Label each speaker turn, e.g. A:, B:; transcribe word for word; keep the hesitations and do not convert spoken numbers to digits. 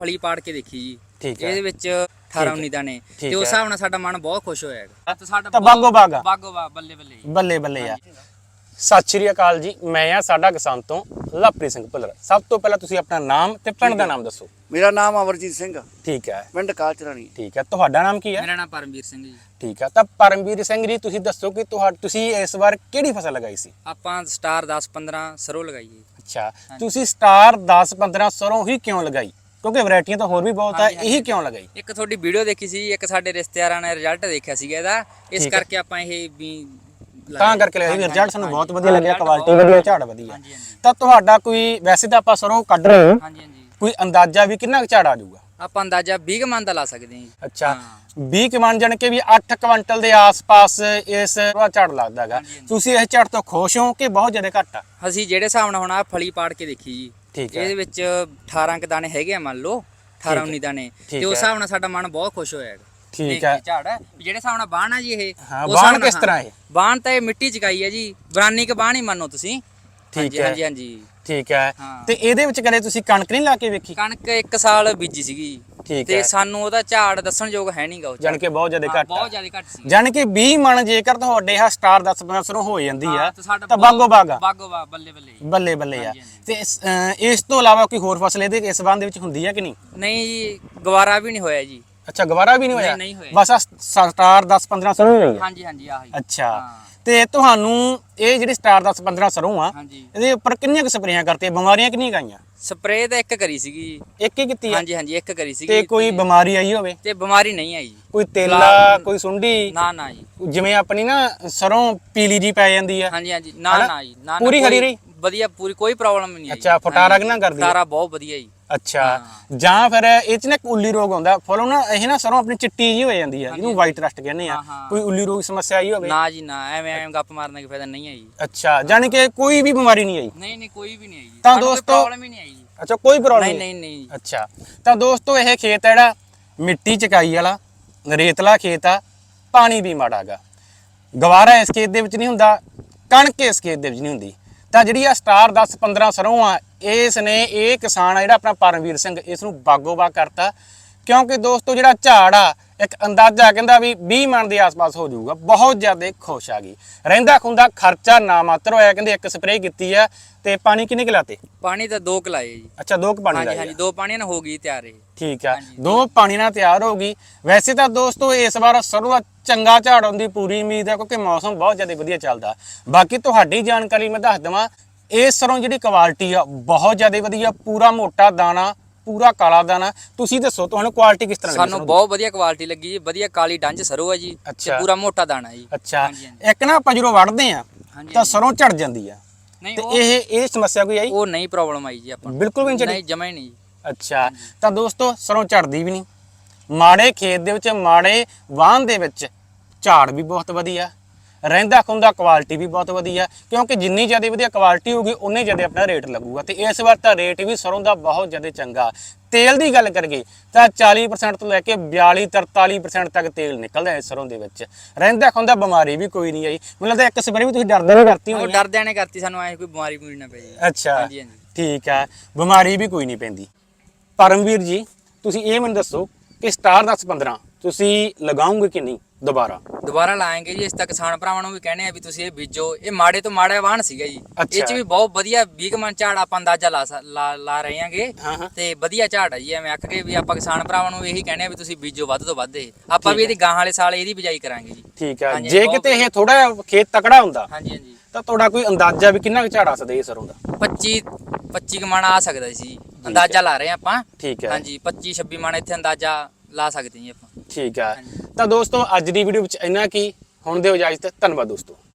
A: ਫਲੀ ਪਾੜ ਕੇ ਦੇਖੀ ਜੀ।
B: ਠੀਕ ਹੈ।
A: ਇਹਦੇ ਵਿੱਚ ਅਠਾਰਾਂ ਉੱਨੀ ਦਾਣੇ ਤੇ ਉਸ ਹਿਸਾਬ ਨਾਲ ਸਾਡਾ ਮਨ ਬਹੁਤ ਖੁਸ਼ ਹੋਇਆ ਹੈਗਾ। ਤੇ ਸਾਡਾ
B: ਤਾਂ ਬਾਗੋ ਬਾਗ ਆ।
A: ਬਾਗੋ ਬਾਗ ਬੱਲੇ ਬੱਲੇ ਜੀ।
B: ਬੱਲੇ ਬੱਲੇ ਆ। ਸਤਿ ਸ਼੍ਰੀ ਅਕਾਲ ਜੀ, ਮੈਂ ਆ ਸਾਡਾ ਕਿਸਾਨ ਤੋਂ ਲਵਪ੍ਰੀਤ ਸਿੰਘ ਭੁੱਲਰ। ਸਭ ਤੋਂ ਪਹਿਲਾਂ ਤੁਸੀਂ ਆਪਣਾ ਨਾਮ ਤੇ ਪਿੰਡ ਦਾ ਨਾਮ ਦੱਸੋ।
C: ਮੇਰਾ ਨਾਮ ਅਮਰਜੀਤ ਸਿੰਘ ਆ,
B: ਠੀਕ ਹੈ।
C: ਪਿੰਡ ਕਾਲਚਰਾਣੀ।
B: ਠੀਕ ਹੈ, ਤੁਹਾਡਾ ਨਾਮ ਕੀ ਹੈ?
A: ਮੇਰਾ ਨਾਮ ਪਰਮਵੀਰ ਸਿੰਘ ਜੀ।
B: ਠੀਕ ਹੈ, ਤਾਂ ਪਰਮਵੀਰ ਸਿੰਘ ਜੀ ਤੁਸੀਂ ਦੱਸੋ ਕਿ ਤੁਹਾ ਤੁਸੀਂ ਇਸ ਵਾਰ ਕਿਹੜੀ ਫਸਲ ਲਗਾਈ ਸੀ?
A: ਆਪਾਂ ਸਟਾਰ ਦਸ ਪੰਦਰਾਂ ਸਰੋਂ ਲਗਾਈਏ।
B: ਅੱਛਾ, ਤੁਸੀਂ ਸਟਾਰ ਦਸ ਪੰਦਰਾਂ ਸਰੋਂ ਹੀ ਕਿਉਂ ਲਗਾਈ? ਕਿਉਂਕਿ ਵੈਰਾਈਟੀਆਂ ਤਾਂ ਹੋਰ ਵੀ ਬਹੁਤ ਆ, ਇਹੀ ਕਿਉਂ ਲਗਾਈ?
A: ਇੱਕ ਤੁਹਾਡੀ ਵੀਡੀਓ ਦੇਖੀ ਸੀ, ਇੱਕ ਸਾਡੇ ਰਿਸ਼ਤੇਦਾਰਾਂ ਨੇ ਰਿਜ਼ਲਟ ਦੇਖਿਆ ਸੀਗਾ ਇਹਦਾ, ਇਸ ਕਰਕੇ ਆਪਾਂ ਇਹ ਵੀ
B: ਤਾਂ ਕਰਕੇ ਲਿਆ ਸੀ। ਰਿਜ਼ਲਟ ਸਾਨੂੰ ਬਹੁਤ ਵਧੀਆ ਲੱਗਿਆ, ਕੁਆਲਿਟੀ ਵਧੀਆ, ਝਾੜ ਵਧੀਆ। ਤਾਂ ਤੁਹਾਡਾ ਕੋਈ, ਵੈਸੇ ਤਾਂ ਆਪਾਂ ਸਰੋਂ ਕੱਢ ਰਹੇ ਹਾਂ,
A: ਹਾਂਜੀ ਹਾਂਜੀ,
B: ਕੋਈ ਅੰਦਾਜ਼ਾ ਵੀ ਕਿੰਨਾ ਕੁ ਝਾੜ ਆ ਜਾਊਗਾ?
A: ਆਪਾਂ ਅੰਦਾਜ਼ਾ ਵੀਹ ਮਣ ਦਾ ਲਾ ਸਕਦੇ ਹਾਂ ਜੀ।
B: ਅੱਛਾ, ਵੀਹ ਕੁ ਜਾਣ ਕੇ ਵੀ ਅੱਠ ਕੁਇੰਟਲ ਦੇ ਆਸ-ਪਾਸ ਇਸ ਦਾ ਝਾੜ ਲੱਗਦਾ ਹੈਗਾ। ਤੁਸੀਂ ਇਸ ਝਾੜ ਤੋਂ ਖੁਸ਼ ਹੋ ਕਿ ਬਹੁਤ ਜ਼ਿਆਦਾ ਘੱਟ ਆ?
A: ਅਸੀਂ ਜਿਹੜੇ ਹਿਸਾਬ ਨਾਲ ਹੁਣ ਆ ਫਲੀ ਪਾੜ ਕੇ ਦੇਖੀ ਜੀ,
B: ਠੀਕ ਹੈ।
A: ਇਹਦੇ ਵਿੱਚ ਅਠਾਰਾਂ ਕ ਦਾਣੇ ਹੈਗੇ ਆ, ਮੰਨ ਲਓ ਅਠਾਰਾਂ ਉੱਨੀ ਦਾਣੇ, ਤੇ ਉਸ ਹਿਸਾਬ ਨਾਲ ਸਾਡਾ ਮਨ ਬਹੁਤ ਖੁਸ਼ ਹੋਇਆ ਹੈਗਾ।
B: ਠੀਕ ਹੈ।
A: ਝਾੜ ਜਿਹੜੇ ਹਿਸਾਬ ਨਾਲ ਬਾਣ ਆ ਜੀ ਇਹ,
B: ਹਾਂ, ਬਾਣ ਕਿਸ ਤਰ੍ਹਾਂ ਇਹ?
A: ਬਾਣ ਤਾਂ ਇਹ ਮਿੱਟੀ ਚਕਾਈ ਹੈ ਜੀ, ਬਰਾਨੀ ਕ ਬਾਣ ਹੀ ਮੰਨੋ ਤੁਸੀਂ।
B: ਠੀਕ ਹੈ,
A: ਹਾਂਜੀ ਹਾਂਜੀ,
B: ਠੀਕ ਹੈ। ਤੇ ਇਹਦੇ ਵਿੱਚ ਕਦੇ ਤੁਸੀਂ ਕਣਕ ਨਹੀਂ ਲਾ ਕੇ ਵੇਖੀ?
A: ਕਣਕ ਇੱਕ ਸਾਲ ਬੀਜੀ ਸੀਗੀ,
B: ਠੀਕ
A: ਤੇ
B: ਹੈ।
A: ਸਾਨੂੰ ਉਹਦਾ ਝਾੜ ਦੱਸਣਯੋਗ ਹੈ ਨਹੀਂਗਾ ਉਹ।
B: ਜਾਣ ਕੇ ਬਹੁਤ ਜ਼ਿਆਦਾ ਘੱਟ
A: ਬਹੁਤ ਜ਼ਿਆਦਾ ਘੱਟ ਸੀ।
B: ਜਾਣ ਕੇ ਵੀਹ ਮਣ ਜੇਕਰ ਤੁਹਾਡੇ ਆ ਸਟਾਰ ਦਸ ਪੰਦਰਾਂ ਸਰੋਂ ਹੋ ਜਾਂਦੀ ਆ
A: ਤਾਂ
B: ਤਾਂ ਬਾਗੋ ਬਾਗ ਆ।
A: ਬਾਗੋ ਬਾਗ ਬੱਲੇ ਬੱਲੇ
B: ਬੱਲੇ ਬੱਲੇ ਆ। ਤੇ ਇਸ ਅਹ ਇਸ ਤੋਂ ਇਲਾਵਾ ਕੋਈ ਹੋਰ ਫਸਲ ਇਹਦੇ ਇਸ ਸੰਬੰਧ ਵਿੱਚ ਹੁੰਦੀ ਹੈ ਕਿ ਨਹੀਂ?
A: ਨਹੀਂ ਜੀ, ਗਵਾਰਾ ਵੀ ਨਹੀਂ ਹੋਇਆ ਜੀ।
B: ਅੱਛਾ, ਗਵਾਰਾ ਵੀ ਨਹੀਂ ਹੋਇਆ?
A: ਨਹੀਂ ਹੋਇਆ।
B: ਬਸ ਆ ਸਟਾਰ ਦਸ ਪੰਦਰਾਂ ਸਰੋਂ ਹੀ ਹੋਈ ਆ?
A: ਹਾਂਜੀ ਹਾਂਜੀ, ਆਹੀ।
B: ਅੱਛਾ, ਤੇ ਤੁਹਾਨੂੰ ਇਹ ਜਿਹੜੀ ਸਟਾਰ ਦਸ ਪੰਦਰਾਂ ਸਰੋਂ ਆ,
A: ਹਾਂਜੀ,
B: ਇਹਦੇ ਉੱਪਰ ਕਿੰਨੀਆਂ ਕੁ ਸਪਰੇਆਂ ਕਰਤੀਆਂ? ਬਿਮਾਰੀਆਂ ਕਿੰਨੀਆਂ ਗਾਈਆਂ?
A: ਸਪਰੇਅ ਤਾਂ ਇੱਕ ਕਰੀ ਸੀਗੀ।
B: ਇੱਕ ਹੀ ਕੀਤੀ ਆ?
A: ਹਾਂਜੀ ਹਾਂਜੀ, ਇੱਕ ਕਰੀ ਸੀਗੀ।
B: ਤੇ ਕੋਈ ਬਿਮਾਰੀ ਆਈ ਹੋਵੇ?
A: ਤੇ ਬਿਮਾਰੀ ਨਹੀਂ ਆਈ ਜੀ।
B: ਕੋਈ ਤੇਲਾ, ਕੋਈ ਸੁੰਡੀ?
A: ਨਾ ਨਾ ਜੀ।
B: ਜਿਵੇਂ ਆਪਣੀ ਨਾ ਸਰੋਂ ਪੀਲੀ ਜੀ ਪੈ ਜਾਂਦੀ ਆ?
A: ਹਾਂਜੀ ਹਾਂਜੀ, ਨਾ ਨਾ ਜੀ, ਨਾ।
B: ਪੂਰੀ ਹਰੀ ਰਹੀ?
A: ਵਧੀਆ, ਪੂਰੀ ਕੋਈ ਪ੍ਰੋਬਲਮ ਨਹੀਂ ਆਈ।
B: ਅੱਛਾ, ਫਟਾਰਾ ਕਿੰਨਾ ਕਰਦੀ?
A: ਫਟਾਰਾ ਬਹੁਤ ਵਧੀਆ ਜੀ।
B: ਅੱਛਾ, ਜਾਂ ਫਿਰ ਇਹ ਚ ਨਾ ਉੱਲੀ ਰੋਗ ਆਉਂਦਾ ਫਲੋਂ ਨਾ, ਇਹ ਨਾ ਸਰੋਂ ਆਪਣੀ ਚਿੱਟੀ ਜੀ ਹੋ ਜਾਂਦੀ ਆ, ਇਹਨੂੰ ਵਾਈਟ ਰਸਟ ਕਹਿੰਦੇ ਆ। ਕੋਈ ਉੱਲੀ ਰੋਗ ਸਮੱਸਿਆ ਆਈ ਹੋਵੇ?
A: ਨਾ ਜੀ ਨਾ, ਐਵੇਂ ਐਵੇਂ ਗੱਪ ਮਾਰਨ ਦਾ ਫਾਇਦਾ ਨਹੀਂ ਆਈ।
B: ਅੱਛਾ, ਜਾਨੀ ਕਿ ਕੋਈ ਵੀ ਬਿਮਾਰੀ ਨਹੀਂ ਆਈ?
A: ਨਹੀਂ ਨਹੀਂ, ਕੋਈ ਵੀ ਨਹੀਂ ਆਈ ਜੀ।
B: ਤਾਂ ਦੋਸਤੋ
A: ਪ੍ਰੋਬਲਮ ਹੀ ਨਹੀਂ ਆਈ ਜੀ।
B: ਅੱਛਾ, ਕੋਈ ਪ੍ਰੋਬਲਮ
A: ਨਹੀਂ ਨਹੀਂ ਨਹੀਂ।
B: ਅੱਛਾ, ਤਾਂ ਦੋਸਤੋ ਇਹ ਖੇਤ ਹੈ ਜਿਹੜਾ ਮਿੱਟੀ ਚਕਾਈ ਵਾਲਾ ਰੇਤਲਾ ਖੇਤ ਆ, ਪਾਣੀ ਵੀ ਮਾੜਾ ਗਾ। ਗਵਾਰਾ ਇਸ ਖੇਤ ਦੇ ਵਿੱਚ ਨਹੀਂ ਹੁੰਦਾ, ਕਣਕ ਇਸ ਖੇਤ ਦੇ ਵਿੱਚ ਨਹੀਂ ਹੁੰਦੀ। ਤਾਂ ਜਿਹੜੀ ਆ ਸਟਾਰ ਦਸ ਪੰਦਰਾਂ ਸਰੋਂ ਆ, ਇਸ ਨੇ ਇਹ ਕਿਸਾਨ ਆ ਜਿਹੜਾ ਆਪਣਾ ਪਰਮਵੀਰ ਸਿੰਘ, ਇਸ ਨੂੰ ਬਾਗੋ ਬਾਗ ਕਰਤਾ। ਕਿਉਂਕਿ ਦੋਸਤੋ ਜਿਹੜਾ ਝਾੜ ਆ, ਇੱਕ ਅੰਦਾਜ਼ਾ ਕਹਿੰਦਾ ਵੀ ਵੀਹ ਮਣ ਦੇ ਆਸ-ਪਾਸ ਹੋ ਜਾਊਗਾ। ਬਹੁਤ ਜ਼ਿਆਦਾ ਖੁਸ਼ ਆ ਗਈ। ਰਹਿੰਦਾ ਖੁੰਦਾ ਖਰਚਾ ਨਾ ਮਾਤਰ ਹੋਇਆ। ਕਹਿੰਦੇ ਇੱਕ ਸਪਰੇਅ ਕੀਤੀ ਆ, ਤੇ ਪਾਣੀ ਕਿੰਨੇ ਕੁ ਲਾਤੇ?
A: ਪਾਣੀ ਤਾਂ ਦੋ ਕੁ ਲਾਏ ਜੀ।
B: ਅੱਛਾ, ਦੋ ਕੁ ਪਾਣੀ
A: ਹਾਂਜੀ
B: ਲਾਏ?
A: ਹਾਂਜੀ, ਦੋ ਪਾਣੀਆਂ ਨਾਲ ਹੋ ਗਈ ਤਿਆਰ ਇਹ।
B: ਠੀਕ ਆ, ਦੋ ਪਾਣੀ ਨਾਲ ਤਿਆਰ ਹੋ ਗਈ। ਵੈਸੇ ਤਾਂ ਦੋਸਤੋ ਇਸ ਵਾਰ ਸਰੋਂ ਦਾ ਚੰਗਾ ਝਾੜ ਆਉਣ ਦੀ ਪੂਰੀ ਉਮੀਦ ਹੈ, ਕਿਉਂਕਿ ਮੌਸਮ ਬਹੁਤ ਜ਼ਿਆਦਾ ਵਧੀਆ ਚੱਲਦਾ। ਬਾਕੀ ਤੁਹਾਡੀ ਜਾਣਕਾਰੀ ਮੈਂ ਦੱਸ ਦੇਵਾਂ, ਇਹ ਸਰੋਂ ਜਿਹੜੀ ਕੁਆਲਿਟੀ ਆ ਬਹੁਤ ਜ਼ਿਆਦਾ ਵਧੀਆ, ਪੂਰਾ ਮੋਟਾ ਦਾਣਾ, ਪੂਰਾ ਕਾਲਾ ਦਾਣਾ। ਤੁਸੀਂ ਦੱਸੋ ਤੁਹਾਨੂੰ ਕੁਆਲਿਟੀ ਕਿਸ ਤਰ੍ਹਾਂ ਲੱਗੀ?
A: ਸਾਨੂੰ ਬਹੁਤ ਵਧੀਆ ਕੁਆਲਿਟੀ ਲੱਗੀ ਜੀ। ਵਧੀਆ ਕਾਲੀ ਡੰਜ ਸਰੋਂ ਹੈ ਜੀ, ਤੇ ਪੂਰਾ ਮੋਟਾ ਦਾਣਾ ਜੀ।
B: ਅੱਛਾ, ਇੱਕ ਨਾ ਆਪਾਂ ਜਦੋਂ ਵੜਦੇ ਆ ਤਾਂ ਸਰੋਂ ਝੜ ਜਾਂਦੀ ਆ,
A: ਨਹੀਂ
B: ਤੇ ਇਹ ਇਹ ਸਮੱਸਿਆ ਕੋਈ ਆਈ?
A: ਉਹ ਨਹੀਂ ਪ੍ਰੋਬਲਮ ਆਈ ਜੀ ਆਪਾਂ।
B: ਬਿਲਕੁਲ ਵੀ ਨਹੀਂ ਝੜੀ?
A: ਨਹੀਂ, ਜਮਾ ਹੀ ਨਹੀਂ।
B: ਅੱਛਾ, ਤਾਂ ਦੋਸਤੋ ਸਰੋਂ ਝੜਦੀ ਵੀ ਨਹੀਂ। ਮਾੜੇ ਖੇਤ ਦੇ ਵਿੱਚ, ਮਾੜੇ ਵਾਹਨ ਦੇ ਵਿੱਚ ਝਾੜ ਵੀ ਬਹੁਤ ਵਧੀਆ, ਰਹਿੰਦਾ ਖੁੰਦਾ ਕੁਆਲਿਟੀ ਵੀ ਬਹੁਤ ਵਧੀਆ। ਕਿਉਂਕਿ ਜਿੰਨੀ ਜ਼ਿਆਦਾ ਵਧੀਆ ਕੁਆਲਿਟੀ ਹੋਊਗੀ ਉਨੇ ਜ਼ਿਆਦਾ ਆਪਣਾ ਰੇਟ ਲੱਗੂਗਾ। ਤੇ ਇਸ ਵਾਰ ਤਾਂ ਰੇਟ ਵੀ ਸਰੋਂ ਦਾ ਬਹੁਤ ਜ਼ਿਆਦਾ ਚੰਗਾ। ਤੇਲ ਦੀ ਗੱਲ ਕਰੀਏ ਤਾਂ ਚਾਲੀ ਪਰਸੈਂਟ ਤੋਂ ਲੈ ਕੇ ਬਿਆਲੀ ਤਰਤਾਲੀ ਪਰਸੈਂਟ ਤੱਕ ਤੇਲ ਨਿਕਲਦਾ ਹੈ ਸਰੋਂ ਦੇ ਵਿੱਚ। ਰਹਿੰਦਾ ਖੁੰਦਾ ਬਿਮਾਰੀ ਵੀ ਕੋਈ ਨਹੀਂ ਆਈ। ਮੈਨੂੰ ਲੱਗਦਾ ਇੱਕ ਸਪਰੇਅ ਵੀ ਤੁਸੀਂ ਡਰਦੇ ਨਹੀਂ ਕਰਤੀ ਹੋਣੀ?
A: ਉਹ ਡਰਦਿਆਂ ਨੇ ਕਰਤੀ, ਸਾਨੂੰ ਐ ਕੋਈ ਬਿਮਾਰੀ ਬੂਰੀ ਨਾ ਪਈ।
B: ਅੱਛਾ,
A: ਹਾਂਜੀ ਹਾਂਜੀ,
B: ਠੀਕ ਆ, ਬਿਮਾਰੀ ਵੀ ਕੋਈ ਨਹੀਂ ਪੈਂਦੀ। ਪਰਮਵੀਰ ਜੀ, ਤੁਸੀਂ ਇਹ ਮੈਨੂੰ ਦੱਸੋ ਕਿ ਸਟਾਰ ਦਸ ਪੰਦਰਾਂ ਤੁਸੀਂ ਲਗਾਓਗੇ ਕਿ ਨਹੀਂ ਦੁਬਾਰਾ?
A: ਦੁਬਾਰਾ ਲਾਏਂਗੇ ਜੀ। ਇਸ ਤੱਕ ਕਿਸਾਨ ਭਰਾਵਾਂ ਨੂੰ ਵੀ ਕਹਿੰਦੇ ਆ ਵੀ ਤੁਸੀਂ ਇਹ ਬੀਜੋ। ਇਹ ਮਾੜੇ ਤੋਂ ਮਾੜਾ ਵਾਹਣ ਸੀਗਾ ਜੀ, ਇਹ ਚ ਵੀ ਬਹੁਤ ਵਧੀਆ ਵੀਹ ਮਣ ਝਾੜ ਆਪਾਂ ਅੰਦਾਜ਼ਾ ਲਾ ਲਾ ਲਾ ਰਹੇ ਆਂਗੇ। ਤੇ ਵਧੀਆ ਝਾੜ ਆ ਜੀ। ਐਵੇਂ ਆਖ ਕੇ ਵੀ ਆਪਾਂ ਕਿਸਾਨ ਭਰਾਵਾਂ ਨੂੰ ਇਹੀ ਕਹਿੰਦੇ ਆ ਵੀ ਤੁਸੀਂ ਬੀਜੋ ਵੱਧ ਤੋਂ ਵੱਧ। ਇਹ ਆਪਾਂ ਵੀ ਇਹਦੀ ਗਾਂ ਵਾਲੇ ਸਾਲ ਇਹਦੀ ਬਿਜਾਈ ਕਰਾਂਗੇ ਜੀ।
B: ਠੀਕ ਆ, ਜੇ ਕਿਤੇ ਇਹ ਥੋੜਾ ਖੇਤ ਤਕੜਾ ਹੁੰਦਾ
A: ਹਾਂਜੀ ਹਾਂਜੀ,
B: ਤਾਂ ਤੁਹਾਡਾ ਕੋਈ ਅੰਦਾਜ਼ਾ ਵੀ ਕਿੰਨਾ ਕੁ ਝਾੜ ਆ ਸਕਦਾ ਇਹ ਸਰੋਂ ਦਾ?
A: ਪੱਚੀ ਪੱਚੀ ਕ ਮਣ ਆ ਸਕਦਾ ਸੀ, ਅੰਦਾਜ਼ਾ ਲਾ ਰਹੇ ਆਪਾਂ।
B: ਠੀਕ ਹੈ,
A: ਹਾਂਜੀ, ਪੱਚੀ ਛੱਬੀ ਮਣ ਇੱਥੇ ਅੰਦਾਜ਼ਾ ਲਾ ਸਕਦੇ ਜੀ ਆਪਾਂ।
B: ਠੀਕ ਆ, ਤਾਂ ਦੋਸਤੋ ਅੱਜ ਦੀ ਵੀਡੀਓ ਵਿੱਚ ਇੰਨਾ ਕੀ। ਹੁਣ ਦਿਓ ਇਜਾਜ਼ਤ। ਧੰਨਵਾਦ ਦੋਸਤੋ।